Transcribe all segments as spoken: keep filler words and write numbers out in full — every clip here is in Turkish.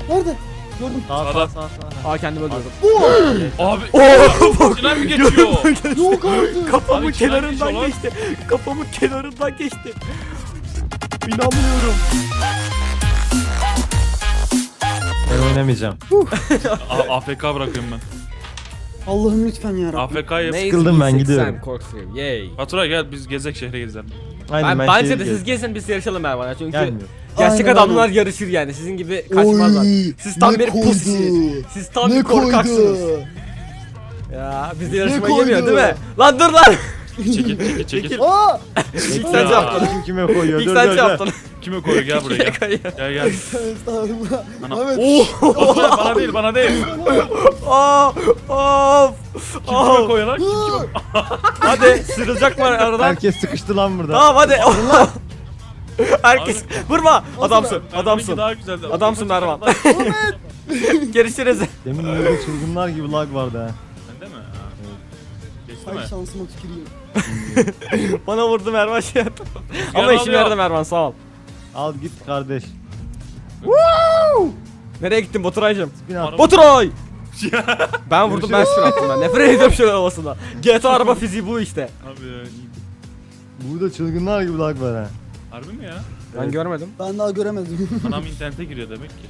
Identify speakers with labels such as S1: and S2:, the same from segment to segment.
S1: Nerede? Gördüm.
S2: Sağ sağ sağ sağ.
S3: Aa kendimi öldürdüm.
S1: Oo!
S4: Abi.
S3: Oo!
S4: İçinden mi geçiyor?
S1: Yok artık.
S3: Kafamın
S4: Abi içinden
S3: kenarından
S4: geçiyor lan.
S3: geçti. Kafamın kenarından geçti. İnanmıyorum.
S2: Ben oynamayacağım.
S4: A- AFK bırakıyorum ben.
S1: Allah'ım lütfen ya Rabbim.
S4: A F K'yı.
S2: Sıkıldım ben, gidiyorum.
S3: Korkuyum. Yay.
S4: Baturay gel biz gezek şehre gezelim.
S2: Aynen,
S3: Ben,
S2: ben
S3: bence
S2: şehir
S3: de siz
S2: gezdim.
S3: gezin biz yarışalım Mervan'a çünkü
S2: Gelmiyor.
S3: gerçek
S1: Aynen,
S3: adamlar
S1: aynen.
S3: yarışır yani sizin gibi kaçmazlar.
S1: Oy,
S3: Siz tam
S1: ne
S3: bir
S1: koydu?
S3: pusisiniz. Siz tam
S1: Ne
S3: bir korkaksınız.
S1: koydu?
S3: Ya biz de yarışmaya
S1: koydu?
S3: yemiyor değil mi? Lan dur lan.
S4: Çekil çekil çekil.
S1: Aa!
S3: İlk
S4: Ya.
S3: sen yaptın.
S2: Kim kime koyuyor?
S3: İlk
S2: Dur
S3: sen
S2: dur dur.
S3: yaptın.
S4: Kime koyuyor gel buraya gel. Gel gel.
S1: Estağfurullah.
S4: Ana.
S1: Ahmet.
S4: Baturay bana değil bana değil.
S3: Aa, of.
S4: Kim kime koyuyor lan? Kim kime?
S3: Hadi sıyrılacak mı aradan?
S2: Herkes sıkıştı lan burada.
S3: Tamam hadi. Herkes vurma. Adamsın.
S4: Mervan'ınki
S3: Adamsın.
S4: daha güzeldi.
S3: Adamsın Mervan.
S1: Ahmet.
S3: Görüşürüz.
S2: Demin öyle çılgınlar gibi lag vardı ha.
S4: Bende mi? Ha. Geçti
S1: Ay
S4: mi?
S1: şansıma tüküreyim.
S3: Bana vurdu Mervan şey yaptı. Ama
S4: ne
S3: işime
S4: yapıyor?
S3: yaradı Mervan sağ ol.
S2: Al git kardeş.
S3: Nereye gittin Baturay'cım?
S2: Spin at.
S4: Araba-
S3: Baturay! Ben vurdum ben spin attım ben. Nefret ediyorum şöyle havasında. G T A araba fiziği bu işte.
S4: Abi ya, iyi.
S2: Burada çılgınlar gibi lag var ha.
S4: Harbi mi ya?
S3: Ben
S2: Evet.
S3: görmedim.
S1: Ben daha göremedim.
S4: Anam internete giriyor demek ki.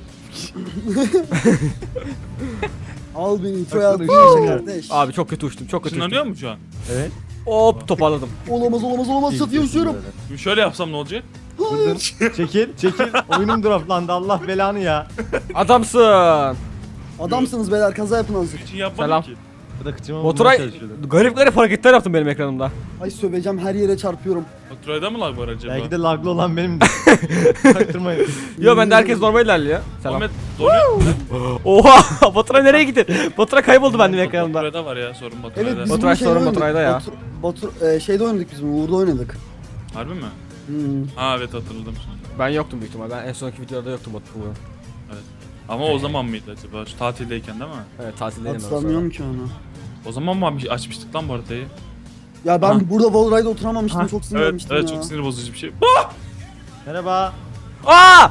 S1: Al beni introya al.
S2: Baksana,
S1: kardeş.
S3: Abi çok kötü uçtum çok kötü
S4: Işınlanıyor
S3: uçtum.
S4: mu şu an?
S2: Evet.
S3: Hop toparladım.
S1: Olamaz olamaz olamaz çatıya uçuyorum.
S4: Şimdi şöyle yapsam ne olacak?
S2: Vurdum. Çekil çekil. Oyunum droplandı Allah belanı ya.
S3: Adamsın.
S1: Adamsınız beyler kaza yapın azıcık.
S4: Için yapmadım
S3: Selam.
S4: ki.
S2: Bu da kıçıma vurmaya
S3: Baturay
S2: çalışıyordu.
S3: garip garip hareketler yaptın benim ekranımda.
S1: Ay söveceğim her yere çarpıyorum.
S4: Baturay'da mı lag var acaba?
S2: Belki de laglı olan benim. Çaktırmayın.
S3: Yo bende herkes normal ilerliyor. Selam.
S4: Ahmet donuyor.
S3: Oha Baturay nereye gitti? Baturay kayboldu benim ekranımda.
S4: Baturay'da var ya sorun
S1: Evet
S4: Baturay'da.
S1: biz
S3: Baturay
S1: bunu şeyde
S3: sorun
S1: oynadık.
S3: Baturay'da ya.
S1: Batur, Batur, e, şeyde oynadık biz bunu Uğur'da oynadık.
S4: Harbi mi?
S1: Hmm.
S4: Ha evet hatırladım şimdi.
S3: Ben yoktum büyük ihtimal. Ben en sonki videoda yoktum Baturay.
S4: Ama o zaman mıydı acaba? Şu tatildeyken değil mi?
S3: Evet tatildeydim ben o sırada.
S1: Hatırlamıyorum ki onu.
S4: O zaman mı abi açmıştık lan bu haritayı?
S1: Ya ben
S4: Ha.
S1: burada Wallride'da oturamamıştım
S4: Ha,
S1: çok
S4: Evet,
S1: sinirlenmiştim
S4: evet
S1: ya.
S4: çok sinir bozucu bir şey.
S2: Merhaba.
S3: Aa!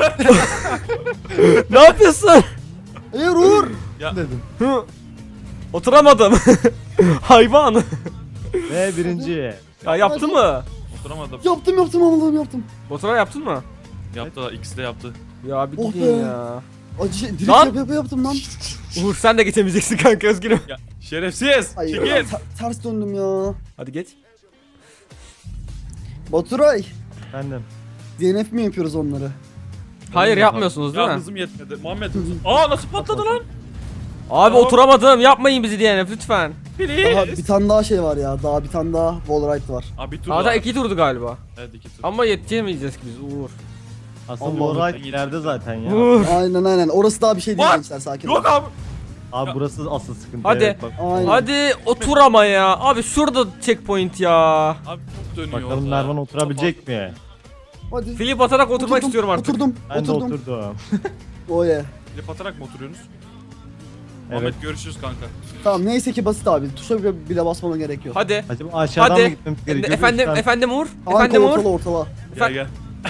S3: Ne yapıyorsun?
S1: Hayır Uğur!
S2: Dedim.
S3: Hı. Oturamadım. Hayvan.
S2: Ve birinci.
S3: Ya yaptı mı?
S4: Oturamadım.
S1: Yaptım yaptım Allah'ım yaptım.
S3: Baturay yaptın mı?
S4: Yaptı da ikisi de yaptı.
S3: Ya bir
S1: Oh
S3: gidin
S1: be.
S3: ya.
S1: Acı şey, direkt
S3: Lan!
S1: yap yap yaptım lan.
S3: Uğur sen de geçemeyeceksin kanka özgürüm.
S4: Ya şerefsiz!
S1: Hayır
S4: Çekil!
S1: ter- ters döndüm ya.
S3: Hadi geç.
S1: Baturay.
S2: Bendim.
S1: D N F mi yapıyoruz onları?
S3: Hayır yapmıyorsunuz değil
S4: Ya
S3: mi?
S4: hızım yetmedi. Muhammed hızım. Aa nasıl patladı lan?
S3: Abi
S4: Aa.
S3: oturamadım. Yapmayın bizi D N F lütfen.
S1: Daha
S4: Please.
S1: bir tane daha şey var ya. Daha bir tane daha Wallride var.
S4: Abi bir tur
S3: Daha
S4: daha.
S3: iki turdu galiba.
S4: Evet iki tur.
S3: Ama yetişemeyeceğiz ki biz Uğur.
S2: Aslında
S1: Allah
S2: bu
S4: Allah.
S2: ride ileride zaten ya.
S3: Uğur.
S1: Aynen aynen. Orası daha bir şey değil
S4: What?
S1: gençler sakin
S4: Yok
S1: olun.
S4: abi.
S2: Abi burası asıl sıkıntı.
S3: Hadi.
S2: Evet, bak.
S1: Aynen.
S3: Hadi otur ama ya. Abi şurada checkpoint ya.
S4: Abi çok dönüyor
S2: Bakalım
S4: orada.
S2: Mervan oturabilecek mi?
S1: Hadi.
S3: Flip atarak oturmak
S1: Oturdum,
S3: istiyorum artık.
S1: Oturdum.
S2: Ben de
S1: oturdum.
S2: oturdum.
S1: Oh yeah.
S4: Klip atarak mı oturuyorsunuz?
S2: Evet.
S4: Muhammed görüşürüz kanka.
S1: Tamam neyse ki basit abi. Tuşa bile, bile basmana gerek yok.
S3: Hadi.
S2: Acaba aşağıdan
S3: Hadi.
S2: mı gitmemiz gerekiyor?
S3: Efendim
S2: Lütfen.
S3: efendim Uğur.
S1: Kanka
S3: Efendim
S1: ortala
S3: Uğur.
S1: ortala.
S4: Gel
S3: Efe-
S4: gel.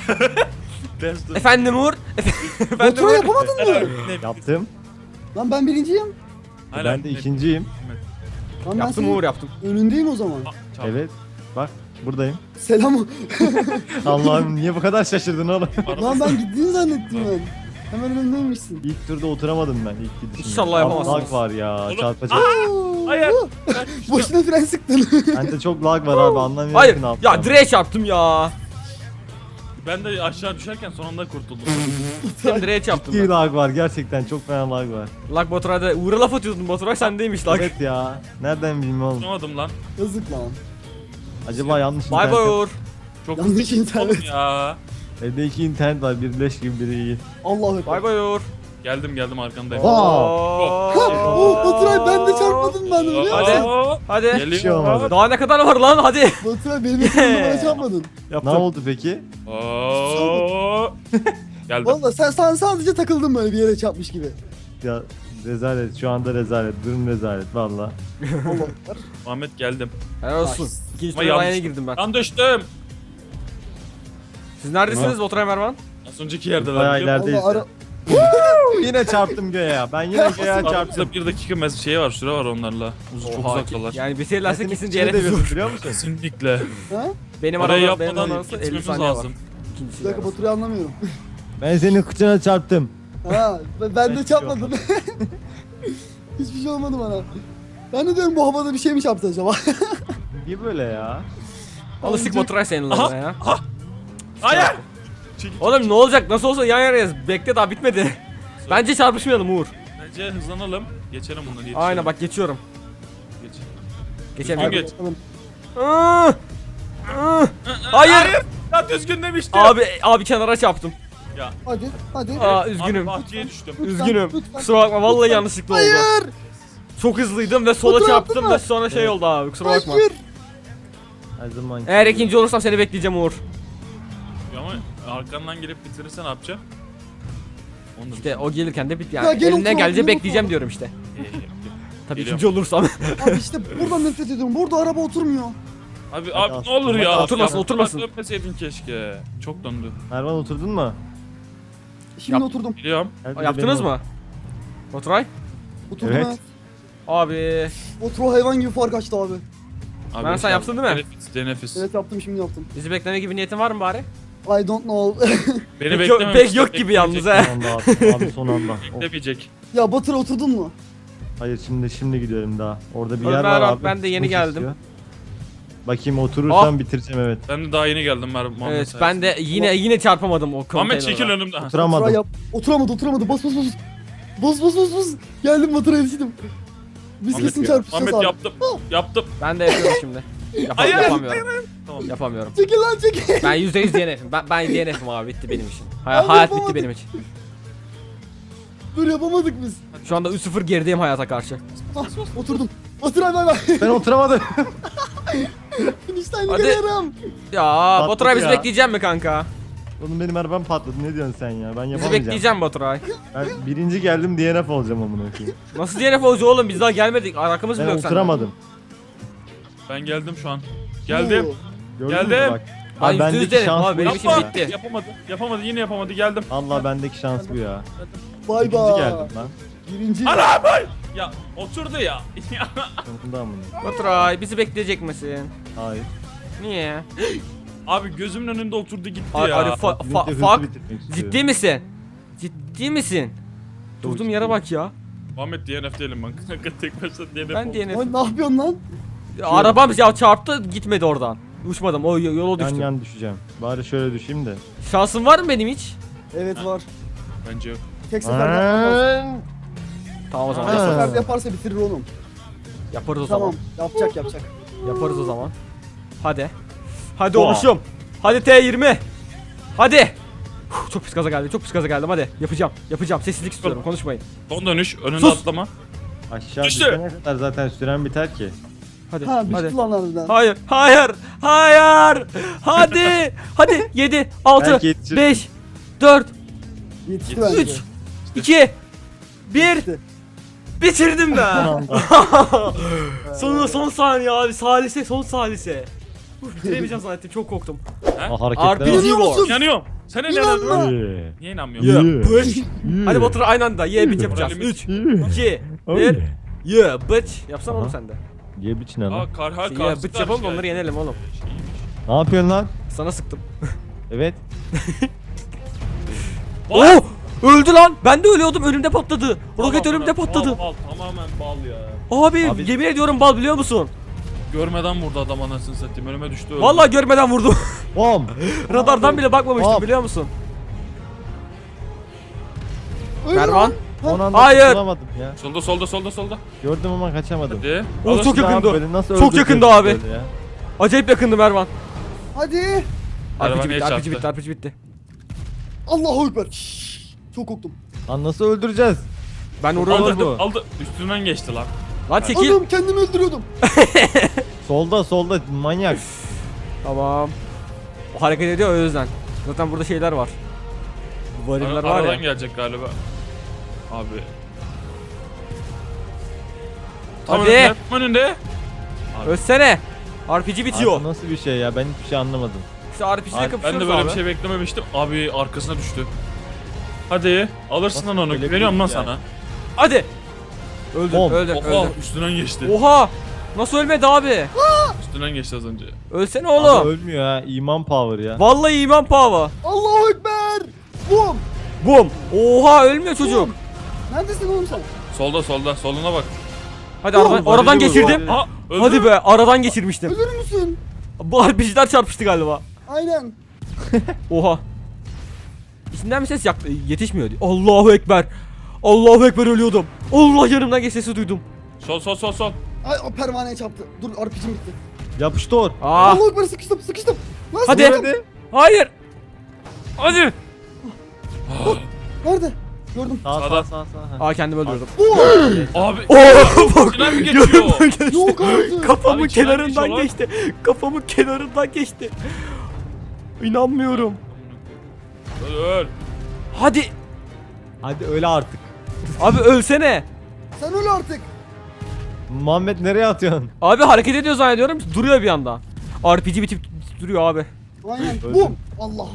S4: Ters dur.
S3: Efendim Uğur. Efendim
S1: Baturay
S3: Uğur.
S1: yapamadın mı?
S4: Ne-
S2: Yaptım.
S1: Lan ben birinciyim.
S4: Hala
S2: Ben de
S4: ne-
S2: ikinciyim.
S1: Lan ben
S3: Yaptım
S1: senin
S3: Uğur yaptım.
S1: önündeyim o zaman.
S4: Aa, çarptı.
S2: Evet. Bak buradayım.
S1: Selam.
S2: Allah'ım niye bu kadar şaşırdın oğlum?
S1: Lan ben gittiğini zannettim ben. Hemen önündeymişsin.
S2: İlk turda oturamadım ben ilk gidişimde.
S3: İnşallah
S2: Abi
S3: yapamazsınız.
S2: Lag var ya
S4: Oğlum-
S2: çarpacak.
S4: Hayır.
S1: Boşuna fren sıktın.
S2: Bende çok lag var abi anlamıyorum
S3: Hayır.
S2: ki ne yapacağım.
S3: Ya direğe çarptım ya.
S4: Ben de aşağı düşerken son anda kurtuldum.
S3: Hem direğe çarptım
S2: İyi
S3: ben.
S2: lag var gerçekten çok fena lag var.
S3: Lag Baturay'da Uğur'a laf atıyordun Baturay sendeymiş lag.
S2: Evet ya. Nereden bileyim oğlum.
S4: Tutamadım lan.
S1: Yazık lan.
S2: Acaba yanlış
S3: Bay bay
S2: internet.
S3: Uğur.
S4: Çok
S1: Yanlış
S4: hızlı gittim
S1: internet.
S4: oğlum ya.
S2: Evde iki internet var biri leş gibi biri iyi.
S1: Allahu ekber.
S3: Bay bay Uğur.
S4: Geldim geldim arkandayım.
S2: Aa.
S1: Ha, oh, Baturay ben de çarpmadım ben de biliyor musun?
S3: Hadi.
S4: Aa,
S3: Hadi.
S2: Bir şey
S4: Geliyor.
S2: olmadı.
S3: Daha ne kadar var lan hadi.
S1: Baturay benim ekranımda bana çarpmadın.
S2: Ne
S3: Yaptım.
S2: oldu peki?
S4: Aa. Geldim.
S1: Valla sen, sen sadece takıldın böyle bir yere çarpmış gibi.
S2: Ya rezalet şu anda rezalet durum rezalet valla.
S1: Allah ekber.
S4: Muhammed geldim.
S3: Helal olsun. İkinci
S4: Ama
S3: tura
S4: yanlış.
S3: yeni girdim ben.
S4: Lan düştüm.
S3: Siz neredesiniz Baturay Mervan?
S4: Az önceki yerde
S2: Bayağı
S4: lan.
S2: ileride. Neredeyiz
S1: Allah ara...
S2: yine çarptım göğe. Ben yine göğe çarptım.
S4: Aramızda bir dakika mes şey var, süre var onlarla. Uz çok
S3: Oha,
S4: uzaktalar.
S3: yani bitirirlerse kesin
S2: içine
S3: D N F
S2: devirdim,
S3: vurur.
S2: biliyor musun?
S4: Kesinlikle.
S1: Ha?
S3: Benim
S4: Orayı
S3: arabam benim
S4: yapmadan
S3: arabası elli
S4: gitmemiz
S3: saniye var.
S4: lazım.
S3: İkincisi
S1: Bir dakika
S3: arabası.
S1: Batur'u anlamıyorum.
S2: Ben senin kıçına çarptım.
S1: Ha, ben, ben de
S2: Hiçbir
S1: çarpmadım. Hiçbir şey olmadı bana. Ben de diyorum bu havada bir şey mi çarptı acaba?
S2: Niye böyle ya?
S3: Alışık motoray seninle ya.
S4: Hayır.
S3: Oğlum ne olacak? Nasıl olsa yan yanayız. Bekle daha bitmedi. Bence çarpışmayalım Uğur.
S4: Bence hızlanalım. Geçelim bunları, yetişelim.
S3: Aynen bak geçiyorum.
S4: Geç.
S3: Geçemiyorum.
S4: Geç.
S1: Bakalım.
S3: Iıı! Iıı! Hayır.
S4: Ya düzgün demiştim.
S3: Abi abi kenara çarptım.
S4: Ya.
S1: Hadi hadi.
S3: Aa üzgünüm.
S4: Abi bahçeye düştüm.
S1: Lütfen,
S3: Üzgünüm.
S1: lütfen.
S3: Kusura bakma vallahi yanlışlıkla oldu.
S1: Hayır.
S3: Çok hızlıydım ve sola
S1: Fotoğraf
S3: çarptım
S1: attın
S3: ve
S1: mı?
S3: sonra şey
S2: Evet.
S3: oldu abi. Kusura bakma.
S1: Hayır.
S2: Her zaman.
S3: Eğer ikinci olursam seni bekleyeceğim Uğur.
S4: Ya ama arkandan gelip bitirirsen ne yapacağım? Onu da
S3: İşte o gelirken de bit
S1: Ya
S3: yani.
S1: gel
S3: Elinden
S1: otur,
S3: gelince
S1: gel
S3: bekleyeceğim
S1: otur.
S3: diyorum işte.
S4: düşün.
S3: Tabii
S4: Geliyorum.
S3: ikinci olursam.
S1: Abi işte buradan nefret ediyorum. Burada araba oturmuyor.
S4: Abi
S2: Hadi
S4: abi ne olur ya.
S3: Oturmasın,
S4: Yapma,
S3: oturmasın.
S4: Dönmeseydin keşke. Çok döndü.
S2: Mervan oturdun mu?
S1: Şimdi
S3: Yap.
S1: oturdum.
S4: Biliyorum.
S2: Gel bir de
S3: Yaptınız
S2: benim-
S3: mı? Oturay?
S1: Oturdum
S2: Evet.
S1: evet.
S3: Abi.
S1: Otur hayvan gibi fark açtı abi.
S4: Abi,
S3: Ben sen yaptın değil mi?
S4: Teneffüs, teneffüs.
S1: Evet yaptım şimdi yaptım.
S3: Bizi bekleme gibi niyetin var mı bari?
S1: I don't know.
S4: Beni
S3: Pek yok-
S4: beklememiş.
S3: pek yok gibi yalnız he.
S2: Son anda abi, abi son anda. Of.
S4: Beklemeyecek.
S1: ya Batur oturdun mu?
S2: Hayır şimdi şimdi gidiyorum daha. Orada bir
S3: Ömer
S2: yer var
S3: abi,
S2: abi.
S3: ben de yeni
S2: Smoke
S3: geldim.
S2: istiyor. Bakayım oturursam bitireceğim evet.
S4: Ben de daha yeni geldim Mer Muhammed
S3: Evet
S4: sayesinde.
S3: ben de yine yine çarpamadım o
S4: Muhammed
S3: konteynere.
S4: çekil önümden. Ha.
S1: Otura
S2: Oturamadım.
S1: yap. Oturamadı oturamadı. Bas bas bas. Bas bas bas bas. Geldim Batur'a yetiştim. Biz
S4: Muhammed
S1: kesin
S4: ya.
S1: çarpışacağız
S4: Muhammed
S1: abi.
S4: yaptım. Yaptım.
S3: Ben de yapıyorum şimdi. Yap
S4: Hayır,
S3: yapamıyorum.
S4: Tamam.
S3: Yapamıyorum.
S1: Çekil lan çekil.
S3: Ben yüzde yüz D N F'im. Ben, ben D N F'im abi bitti benim için. Hay-
S1: Abi
S3: hayat bitti
S1: yapamadık.
S3: benim için.
S1: Dur yapamadık biz.
S3: Şu anda üç sıfır gerideyim hayata karşı.
S1: Ah, oturdum. Batur abi bay bay.
S2: Ben oturamadım.
S1: Finişten
S3: Hadi.
S1: geliyorum.
S3: Ya Baturay bizi
S2: ya.
S3: bekleyeceğim mi kanka?
S2: Oğlum benim arabam patladı ne diyorsun sen ya? Ben
S3: Bizi
S2: yapamayacağım.
S3: bekleyeceğim Baturay.
S2: Ben birinci geldim D N F olacağım amına koyayım.
S3: Nasıl D N F olacak oğlum biz daha gelmedik. Arkamız bile
S2: Ben
S3: yok sende.
S2: oturamadım.
S4: Ben geldim şu an. Geldim.
S1: Oo.
S2: Gördün mü
S4: Geldim.
S2: bak?
S3: Ben
S2: Abi
S3: yüzde yüz
S2: bendeki
S3: derim
S2: şans
S3: abi,
S2: bu
S3: benim
S2: işte
S3: işim
S2: ya.
S3: bitti.
S4: Yapamadı. Yapamadı. Yine yapamadı. Geldim.
S2: Allah bendeki şans bu ya.
S1: Bay
S2: İkinci
S1: bay.
S2: geldim lan.
S1: Birinci.
S4: Ana bay. Ya oturdu ya.
S2: Sonunda amına.
S3: Baturay bizi bekleyecek misin?
S2: Hayır.
S3: Niye?
S4: Abi gözümün önünde oturdu gitti
S3: Ar
S4: ya.
S3: ar fa
S2: Birlikte
S3: fa
S2: hızlı
S3: fuck.
S2: bitirmek istiyorum.
S3: Ciddi misin? Ciddi misin?
S2: Çok
S3: Durduğum
S2: ciddiyim.
S3: yere bak ya.
S4: Muhammed D N F değilim ben. Kanka tek başına D N F
S3: Ben
S4: oldu.
S3: D N F.
S1: Lan ne yapıyorsun lan?
S3: Arabam ya çarptı gitmedi oradan. Uçmadım o yola
S2: Yan
S3: düştüm.
S2: yan düşeceğim. Bari şöyle düşeyim de.
S3: Şansım var mı benim hiç?
S1: Evet var.
S4: Bence yok.
S1: Tek seferde yapmaz.
S2: Aa!
S3: Tamam o zaman
S1: Tek
S2: Ha.
S3: yaparız.
S1: seferde yaparsa bitirir oğlum.
S3: Yaparız o
S1: Tamam.
S3: zaman.
S1: Yapacak yapacak.
S3: Yaparız o zaman. Hadi. Hadi
S2: Wow.
S3: oluşum. Hadi T yirmi. Hadi. Huh, çok pis gaza geldi. Çok pis gaza geldim. Hadi yapacağım. Yapacağım. Sessizlik istiyorum. Konuşmayın.
S4: Son dönüş. Önüne
S3: Sus.
S4: atlama.
S2: Aşağı
S4: Düştü.
S2: düşene kadar zaten süren biter ki.
S3: Hadi.
S1: Ha
S3: hadi.
S1: bitti lan harbiden.
S3: Hayır. Hayır. Hayır. Hadi. Hadi. yedi, altı,
S2: Belki yetişir.
S3: beş, dört,
S1: Yetişti bence.
S3: üç, iki, bir.
S1: Bitti.
S3: Bitirdim
S2: Son
S3: ben.
S2: anda.
S3: son son saniye abi. Salise son salise. Uf, bitiremeyeceğim zannettim. Çok korktum.
S2: Aa,
S3: R P
S2: hareketlere
S3: G
S2: bak.
S1: Biliyor musun?
S3: War.
S4: İnanıyorum. Sen ne
S1: İnanma.
S4: inanıyorsun?
S2: Yeah.
S4: Niye inanmıyorsun?
S3: Yeah,
S2: Yeah.
S3: bitch.
S2: Yeah.
S3: Hadi Batur aynı anda. Yeah bitch yapacağız.
S4: Moralimiz-
S3: üç,
S2: Yeah.
S3: iki,
S2: Oh
S3: bir.
S2: yeah.
S3: Yeah bitch. Yapsana oğlum
S2: Aha.
S3: sen de.
S2: Ye biçin lan.
S4: Aa kar ha
S3: Şey,
S4: kar.
S3: yeah bitch yapalım da onları yenelim oğlum.
S2: Ne yapıyorsun lan?
S3: Sana sıktım.
S2: Evet.
S4: Bal.
S3: Oh! Öldü lan. Ben de ölüyordum. Önümde patladı. Roket
S4: Bal,
S3: önümde
S4: bal,
S3: patladı.
S4: Bal, bal, tamamen bal ya.
S3: Abi,
S2: Abi-
S3: yemin ediyorum bal biliyor musun?
S4: Görmeden vurdu adam anasını satayım. Önüme düştü öldü.
S3: Vallahi görmeden vurdum.
S2: Bom.
S3: Radardan bile bakmamıştım
S2: Hop.
S3: biliyor musun?
S1: Öyle
S3: Mervan.
S1: lan.
S2: Son anda
S3: Hayır.
S2: tutulamadım ya.
S4: Solda solda solda solda.
S2: Gördüm ama kaçamadım.
S4: Hadi.
S3: Oh,
S4: Alırsın
S3: çok
S4: abi.
S3: yakındı.
S2: Böyle nasıl
S3: Çok
S2: öldüreceğiz
S3: yakındı abi.
S2: böyle ya?
S3: Acayip yakındı Mervan.
S1: Hadi.
S4: Araba
S3: R P G
S4: niye
S3: bitti, R P G
S4: çarptı?
S3: bitti, R P G bitti.
S1: Allahu ekber. Şşş, çok korktum.
S2: Lan nasıl öldüreceğiz?
S3: Ben
S2: Aldı.
S3: uğradım.
S2: bu.
S4: Aldı, aldı. Üstünden geçti lan.
S3: Lan çekil.
S1: Oğlum kendimi öldürüyordum.
S2: Solda solda manyak.
S3: Tamam. O hareket ediyor o yüzden. Zaten burada şeyler var. Variller
S4: Ara,
S3: var
S4: aradan
S3: ya.
S4: gelecek galiba. Abi. Tam
S3: Hadi.
S4: önünde. Tam önünde.
S3: Ölsene. R P G bitiyor.
S2: Abi nasıl bir şey ya ben hiçbir şey anlamadım.
S3: İşte R P G'de
S2: Abi,
S3: kapışıyoruz
S4: Ben de böyle
S3: abi.
S4: bir şey beklememiştim. Abi arkasına düştü. Hadi alırsın lan onu.
S2: öyle
S4: Güveniyorum lan
S2: değil yani.
S4: sana.
S3: Hadi. Öldüm
S2: Bom.
S3: öldüm
S4: Oha
S3: öldüm.
S4: üstünden geçti.
S3: Oha. Nasıl ölmedi abi?
S4: Üstünden geçti az önce.
S3: Ölsene
S2: Abi
S3: oğlum.
S2: ölmüyor ha. İman power ya.
S3: Vallahi iman pava.
S1: Allahu Ekber. Bum.
S3: Bum. Oha ölmüyor çocuk.
S1: Neredesin oğlum sen?
S4: Solda solda soluna bak.
S3: Hadi aradan,
S2: Oğlum,
S3: aradan
S2: öldü bu.
S3: geçirdim.
S4: Ha öldü.
S3: Hadi be aradan geçirmiştim.
S1: Ölür müsün?
S3: Bu R P G'ler çarpıştı galiba.
S1: Aynen.
S3: Oha. İçinden bir ses yak yetişmiyor. Allahu Ekber. Allahu Ekber ölüyordum. Allah yanımdan geç sesi duydum.
S4: Sol sol sol sol.
S1: Ay o pervaneye çarptı. Dur R P G'm bitti.
S2: Yapıştı or.
S3: Aa.
S1: Allahu Ekber sıkıştım sıkıştım. Lan
S3: Hadi.
S1: sıkıştım.
S3: Hayır. Hadi.
S1: Nerede? Gördüm.
S2: Sağ sağ
S4: Sağda.
S2: sağ sağ.
S3: Aa kendimi öldürdüm.
S1: Bu.
S4: Abi.
S3: Oo bak.
S4: Üstünden mi geçiyor?
S1: Yok artık.
S3: Kafamın
S4: Abi içinden
S3: kenarından
S4: geçiyor lan.
S3: geçti. Kafamın kenarından geçti. İnanmıyorum.
S4: Öl öl.
S3: Hadi.
S2: Hadi öyle artık.
S3: Abi ölsene.
S1: Sen öl artık.
S2: Muhammed nereye atıyorsun?
S3: Abi hareket ediyor zannediyorum. Duruyor bir anda. R P G bitip duruyor abi.
S1: Aynen.
S2: Öldüm.
S1: Bum. Allah.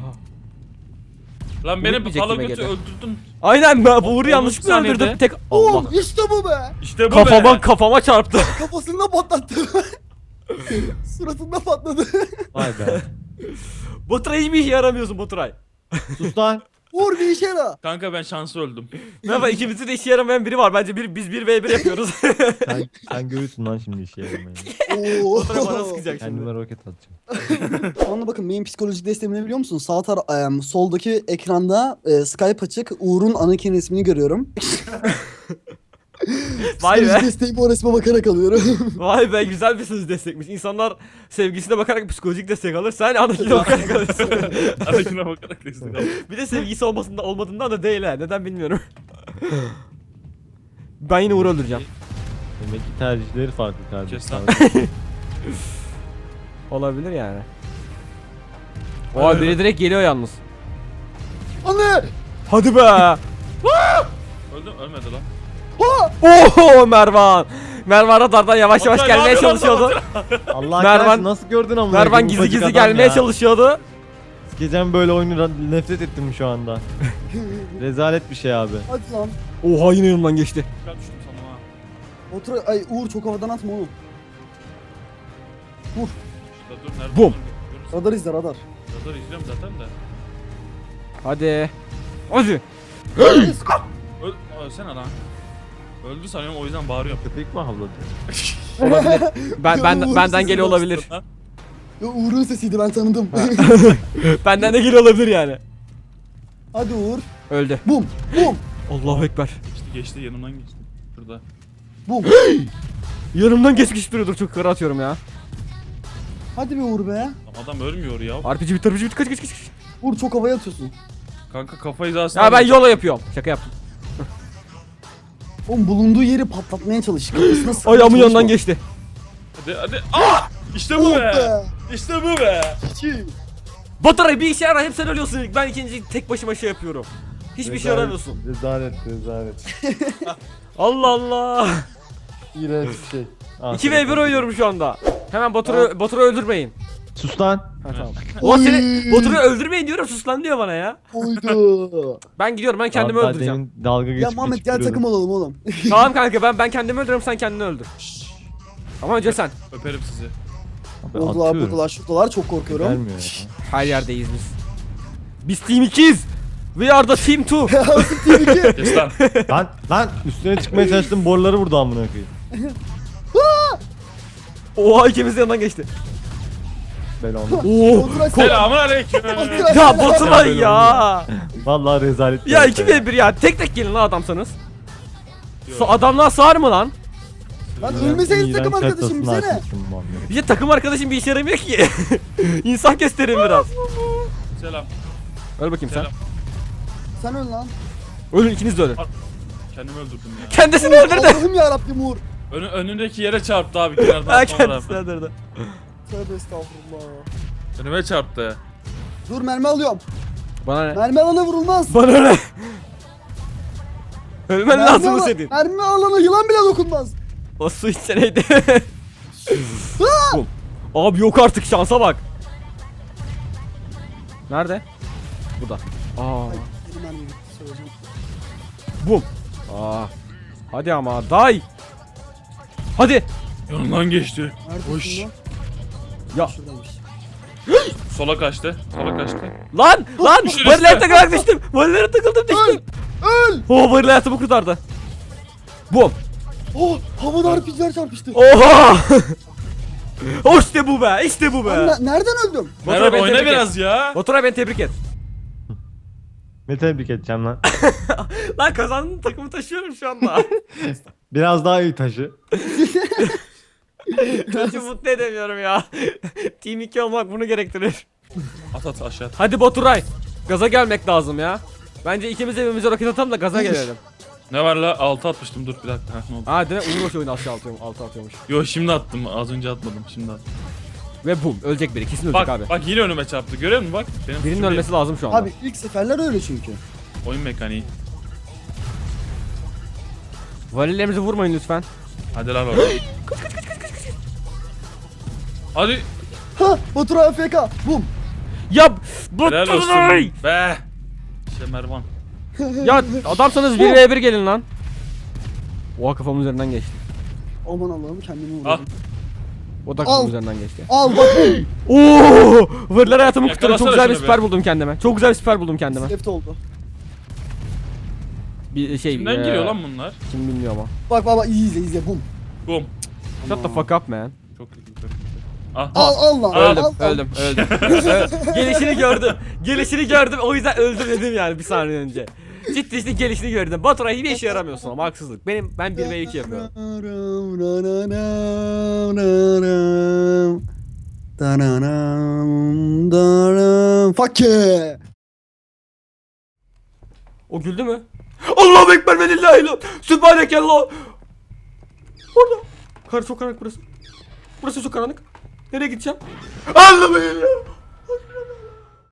S4: Lan
S3: Vuruk
S4: beni
S3: bir
S4: pala
S3: çekime
S4: götü
S3: geldi.
S4: öldürdün.
S3: Aynen ben bu Uğur'u
S4: Oğlum,
S3: yanlışlıkla
S4: saniyede.
S3: öldürdüm. Tek Allah.
S1: Bum. İşte bu be.
S4: İşte bu
S3: Kafama
S4: be.
S3: kafama çarptı.
S1: Kafasında patlattı. Suratında patladı.
S2: Vay be.
S3: Baturay hiçbir işe yaramıyorsun Baturay.
S2: Sus lan.
S1: Vur bir işe yara.
S4: Kanka ben şanslı öldüm.
S3: Merhaba ikimizde de işe yaramayan biri var. Bence bir, biz bir ve bir yapıyoruz.
S2: Sen, sen görürsün lan şimdi işe yaramayı.
S1: Oo.
S3: Baturay bana sıkacak şimdi.
S2: Kendime roket atacağım.
S1: Şu anda bakın benim psikolojik desteğimi ne biliyor musun? Sağ tar em, soldaki ekranda e, Skype açık. Uğur'un Anakin resmini görüyorum.
S3: Vay
S1: Psikolojik
S3: be.
S1: desteğimi o resme bakarak alıyorum.
S3: Vay be güzel bir söz destekmiş. İnsanlar sevgisine bakarak psikolojik destek alır. Sen anakine bakarak alırsın.
S4: Arakine bakarak destek aldım.
S3: Bir de sevgisi olmasında olmadığından da değil ha. Neden bilmiyorum. Ben yine Uğur'u öldüreceğim.
S2: Demek ki tercihleri farklı kardeşim.
S4: Kes lan.
S3: Olabilir yani. Oha biri direkt geliyor yalnız.
S1: Anne!
S3: Hadi be.
S4: Öldüm ölmedi lan.
S3: Oho Mervan. Mervan radardan yavaş yavaş
S4: Baturay, ne
S3: gelmeye
S4: yapıyorsun lan
S3: çalışıyordu.
S2: Allah
S3: Mervan-
S2: kahretsin nasıl gördün ama?
S3: Mervan gizli gizli gelmeye çalışıyordu.
S2: Gecem böyle oyunu nefret ettim şu anda. Rezalet bir şey abi.
S1: Hadi lan.
S3: Oha yine yanımdan geçti.
S4: Çıkar düştüm sana ha.
S1: Otur ay Uğur çok havadan atma oğlum. Vur.
S4: Şurada dur nerede?
S3: Bum.
S4: Görürsün.
S1: Radar izle radar.
S4: Radar izliyorum zaten de.
S3: Hadi. Hadi.
S4: Öl ölsene lan. Öldü sanıyorum o yüzden bağırıyorum.
S2: Köpek mi havladı?
S3: Ben ben
S1: Uğur
S3: benden
S1: sesi
S3: geliyor
S1: bastı.
S3: olabilir.
S1: Ya Uğur'un sesiydi ben tanıdım.
S3: Benden de geliyor olabilir yani.
S1: Hadi Uğur.
S3: Öldü.
S1: Bum. Bum.
S3: Allahu ekber.
S4: Geçti geçti yanımdan geçti. Şurada.
S1: Bum.
S3: Yanımdan geçmiş duruyordur çok kara atıyorum ya.
S1: Hadi be Uğur be.
S4: Lan adam ölmüyor ya.
S3: R P G bitti R P G bitti kaç kaç kaç.
S1: Uğur çok havaya atıyorsun.
S4: Kanka kafayı daha
S3: Ya ben yola yapıyorum. Şaka yaptım.
S1: Oğlum bulunduğu yeri patlatmaya çalış. Kafasına sıkmaya
S3: Ayağımın
S1: çalışma.
S3: yanından geçti.
S4: Hadi hadi. Ah! İşte bu
S1: Oh
S4: be.
S1: be.
S4: İşte bu be.
S1: İki.
S3: Baturay bir işe yarar hep sen ölüyorsun ilk. Ben ikinci tek başıma şey yapıyorum. Hiçbir şey
S2: Rezalet-
S3: yaramıyorsun.
S2: Rezalet rezalet.
S3: Allah Allah.
S2: İğrenç bir şey. Ah,
S3: iki ve bir oynuyorum şu anda. Hemen Batur'u Batur'u öldürmeyin.
S2: Sus lan.
S3: Ha tamam. Ulan seni Batur'u öldürmeyin diyorum sus lan diyor bana ya.
S1: Oydu.
S3: Ben gidiyorum ben kendimi
S2: Abi daha
S3: öldüreceğim.
S2: demin dalga geçip
S1: Ya Muhammed
S2: geçip
S1: gel
S2: duruyordum.
S1: takım olalım oğlum.
S3: Tamam kanka ben ben kendimi öldürüyorum sen kendini öldür. Ama önce sen.
S4: Öperim sizi.
S2: Abi
S1: Oradalar
S2: atıyorum.
S1: buradalar şuradalar çok korkuyorum.
S2: Gelmiyor ya.
S3: Her yerdeyiz biz. Biz team ikiyiz. We are the team two.
S4: Kes lan.
S2: Lan lan üstüne çıkmaya çalıştım boruları vurdu amına koyayım.
S3: Oha ikimiz de yanından geçti.
S2: Belanı.
S3: Oo.
S1: Oturay sen-
S4: Selamun aleyküm.
S1: Oturay
S3: Ya
S1: sen-
S3: Baturay ya.
S2: Vallahi rezalet. bir
S3: Ya
S2: harita
S3: iki ve bir ya. Tek tek gelin lan adamsanız.
S4: Yok.
S3: Sa adamlar sağır mı lan?
S1: Lan
S2: İğrenç-
S1: ölmeseydin
S2: iğrenç
S1: takım arkadaşım
S2: haritasını
S1: bize ne?
S2: açmışım Muhammed.
S3: Bir de takım arkadaşım bir işe yaramıyor ki. İnsan gösterin biraz.
S4: Selam.
S3: Öl bakayım sen.
S4: Selam.
S1: Sen öl lan.
S3: Ölün ikiniz de ölün.
S4: Kendimi öldürdüm ya.
S3: Kendisini öldürdü.
S1: Allah'ım yarabbim Uğur.
S4: Önü, önündeki yere çarptı abi kenardan
S3: Ha
S4: atmama
S3: kendisini
S4: rağmen.
S3: öldürdü.
S1: Tövbe estağfurullah.
S4: Önüme çarptı.
S1: Dur mermi alıyorum.
S3: Bana ne?
S1: Mermi alana vurulmaz.
S3: Bana ne? Ölmen
S1: Mermi
S3: lazım
S1: ala-
S3: senin.
S1: Mermi alana yılan bile dokunmaz.
S3: O su içseneydi. Bum. Abi yok artık şansa bak. Nerede? Bu da. Aa.
S1: Benim mermi bitti.
S3: Bum. Aa. Hadi ama day. Hadi.
S4: Yanından geçti.
S1: Neredesin
S4: Hoş.
S1: lan?
S3: Ya.
S1: Şuradaymış.
S4: Sola kaçtı. Sola kaçtı.
S3: Lan lan.
S4: Düşün
S3: Varilere
S4: üstüne.
S3: takılarak düştüm. Varilere takıldım düştüm.
S1: Öl!
S3: Oh varil hayatımı kurtardı. Bum.
S1: Oh! Havada R P G'ler çarpıştı.
S3: Oha. O işte bu be. İşte bu be.
S1: Lan ne- nereden öldüm?
S3: Baturay,
S4: Merhaba
S3: beni
S4: oyna
S3: tebrik et.
S4: biraz ya.
S3: Baturay beni tebrik et.
S2: Ne tebrik edeceğim lan.
S3: Lan kazandın takımı taşıyorum şu anda.
S2: Biraz daha iyi taşı.
S3: Çocuğu mutlu edemiyorum ya. Team iki olmak bunu gerektirir.
S4: At at aşağı at.
S3: Hadi Baturay. Gaza gelmek lazım ya. Bence ikimiz de birbirimize roket atalım da gaza gelelim.
S4: Ne var la? altı atmıştım dur bir dakika. Ha, ne oldu?
S3: Ha değil mi? Uğur oyunu aşağı atıyormuş. Altı atıyormuş.
S4: Yo şimdi attım. Az önce atmadım. Şimdi attım.
S3: Ve bum. Ölecek biri. Kesin ölecek
S4: Bak
S3: abi.
S4: bak yine önüme çarptı. Görüyor musun bak? Benim
S3: Birinin
S4: suçum değil.
S3: ölmesi lazım şu anda.
S1: Abi ilk seferler öyle çünkü.
S4: Oyun mekaniği.
S3: Varillerimizi vurmayın lütfen.
S4: Hadi lan oraya. Hadi.
S1: Ha! Baturay A F K. Bum!
S3: Ya
S4: Helal
S3: Baturay!
S4: olsun. Be. İşte Mervan.
S3: Ya adamsanız bir ve bir gelin lan. Oha kafamın üzerinden geçti.
S1: Aman Allah'ım kendimi
S4: Ah.
S1: vurdum.
S3: O da
S1: Al.
S3: kafamın üzerinden geçti.
S1: Al bak.
S3: Oo! Variller hayatımı kurtardı. Çok
S4: Yakalasana
S3: güzel bir
S4: şunu
S3: siper
S4: be.
S3: buldum kendime. Çok güzel bir siper buldum kendime.
S1: Left oldu.
S3: Bir şey.
S4: Kimden
S3: eee,
S4: geliyor lan bunlar?
S3: Kim bilmiyor ama.
S1: Bak bak bak iyi izle izle bum.
S4: Bum.
S3: Shut the fuck up man.
S4: Çok kötü. Çok kötü. Ah.
S1: Al al lan.
S3: Öldüm,
S1: al, al.
S3: öldüm, öldüm. Ö- gelişini gördüm. Gelişini gördüm. O yüzden öldüm dedim yani bir saniye önce. Ciddi ciddi gelişini gördüm. Baturay hiçbir işe yaramıyorsun ama haksızlık. Benim ben bir ve iki yapıyorum.
S1: Fuck yeah.
S3: O güldü mü? Allahu ekber ve lillahi illallah. Sübhanekallah. Orada. Kar çok karanlık burası. Burası çok karanlık. Nereye gideceğim? Allah'ım ya.